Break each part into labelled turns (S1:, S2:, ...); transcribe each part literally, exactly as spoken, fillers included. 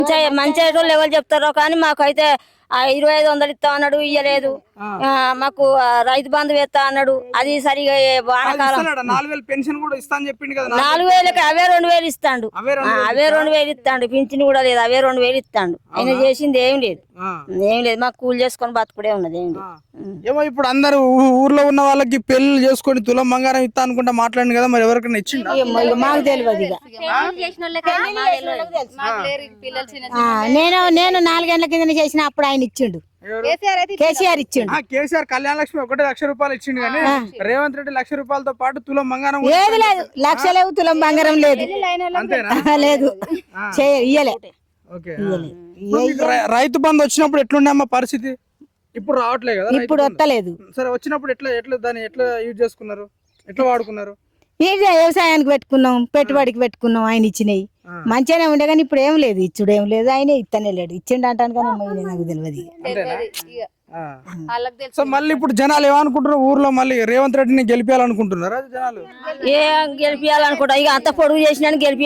S1: మంచి వాళ్ళు ఎవరు చెప్తారో కానీ మాకైతే ఇరవై ఐదు వందలు ఇస్తా అన్నాడు, ఇయ్యలేదు. మాకు రైతు బంధు వేస్తా అన్నాడు, అది సరిగా వానకాలం నాలుగు వేలకి అవే రెండు వేలు ఇస్తాడు, అవే రెండు వేలు ఇస్తాడు. పింఛన్ కూడా లేదు, అవే రెండు వేలు ఇస్తాడు. ఆయన చేసింది ఏం లేదు, ఏం లేదు. మాకు కూలి చేసుకొని బతుకుడే ఉన్నది, ఏం లేదు.
S2: ఇప్పుడు అందరు ఊర్లో ఉన్న వాళ్ళకి పెళ్లి చేసుకొని తులం బంగారం ఇస్తా అనుకుంటా మాట్లాడింది కదా, మరి ఎవరికైనా ఇచ్చిండు?
S1: మాకు తెలియదు.
S3: నేను నేను నాలుగేళ్ల కింద చేసిన అప్పుడు ఆయన ఇచ్చిండు, కేసీఆర్ ఇచ్చిండు.
S2: కేసీఆర్ కళ్యాణ లక్ష్మి ఒకటే లక్ష రూపాయలు ఇచ్చిండు కానీ రేవంత్ రెడ్డి లక్ష రూపాయలతో పాటు తులం బంగారం
S3: లేదు లేదు, లక్ష లేవు, తులం బంగారం లేదు, లేదు, ఇయ్యలే.
S2: రైతు బంధు వచ్చినప్పుడు ఎట్లుండే అమ్మ పరిస్థితి? ఇప్పుడు రావట్లేదు కదా,
S3: ఇప్పుడు వస్తలేదు.
S2: సరే వచ్చినప్పుడు ఎట్లా ఎట్లా దాన్ని ఎట్లా యూజ్ చేసుకున్నారు, ఎట్లా వాడుకున్నారు?
S3: ఇది వ్యవసాయానికి పెట్టుకున్నాం, పెట్టుబడికి పెట్టుకున్నాం. ఆయన ఇచ్చినాయి మంచిగానే ఉండే కానీ ఇప్పుడు ఏం లేదు, ఇచ్చుడు ఏం లేదు. ఆయన ఇత్తనే లేడు, ఇచ్చిండు అంటాను కానీ నాకు తెలియదు.
S2: సో మళ్ళీ ఇప్పుడు జనాలు ఏమనుకుంటున్నారు ఊర్లో, మళ్ళీ రేవంత్ రెడ్డిని గెలిపించాలనుకుంటున్నారా జనాలు?
S1: ఏ గెలిపియాలనుకుంటా, ఇక అంత పొడుగు చేసిన గెలిపి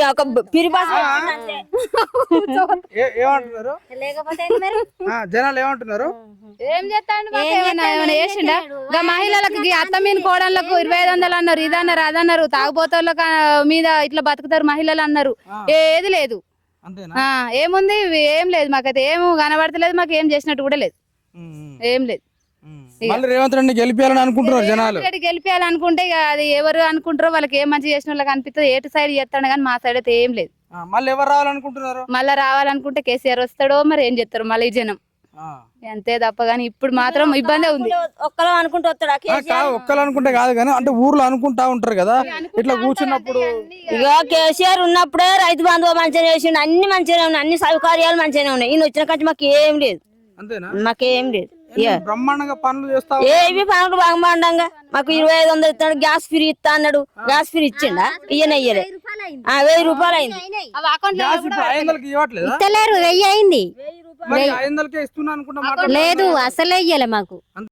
S2: ఏమంటున్నారు జనాలు ఏమంటున్నారు?
S4: ఏం చేస్తాడు చేసిండా? మహిళలకు అత్త మీద కోడళ్ళకు ఇరవై ఐదు వందలు అన్నారు, ఇది అన్నారు, అదన్నారు. తాగుబోతోళ్ళ మీద ఇట్లా బతుకుతారు మహిళలు అన్నారు. ఏది లేదు, ఏముంది ఏం లేదు. మాకైతే ఏం కనబడతలేదు, మాకు ఏం చేసినట్టు కూడా లేదు, ఏం లేదు.
S2: రేవంత్ రెడ్డి గెలిపించాలని అనుకుంటున్నారు జనాలు.
S4: గెలిపించాలనుకుంటే అది ఎవరు అనుకుంటారో వాళ్ళకి ఏం మంచి చేసిన వాళ్ళకి అనిపిస్తుంది. ఏటు సైడ్ చేస్తాడు కానీ మా సైడ్ అయితే ఏం లేదు.
S2: మళ్ళీ ఎవరు రావాలనుకుంటున్నారు?
S4: మళ్ళీ రావాలనుకుంటే కేసీఆర్ వస్తాడో మరి ఏం చేస్తారు మళ్ళీ జనం, అంతే తప్ప. కానీ ఇప్పుడు మాత్రం ఇబ్బంది ఉంది.
S1: ఒక్కరు అనుకుంటూ వస్తాడా?
S2: ఒక్కరు అనుకుంటే కాదు కానీ అంటే ఊర్లో అనుకుంటా ఉంటారు కదా, ఇట్లా కూర్చున్నప్పుడు.
S1: ఇక కేసీఆర్ ఉన్నప్పుడే రైతు బంధువు మంచిగా చేసిండు, అన్ని మంచిగానే ఉన్నాయి, అన్ని సౌకర్యాలు మంచిగానే ఉన్నాయి. ఈయన వచ్చిన కంటే మాకు ఏం లేదు, మాకేం లేదు.
S2: బ్రహ్మాండంగా పనులు చేస్తా,
S1: ఏవి పనులు బ్రహ్మాండంగా. మాకు ఇరవై ఐదు వందలు ఇస్తాడు, గ్యాస్ ఫ్రీ ఇస్తా అన్నాడు, గ్యాస్ ఫ్రీ ఇచ్చిండా? ఇయ్యన ఇయ్యలే, వెయ్యి రూపాయలు అయింది.
S3: ఇస్తలేరు, వెయ్యి అయింది.
S2: ఇస్తున్నా అనుకుంటా
S3: లేదు, అసలే ఇయ్యలే మాకు.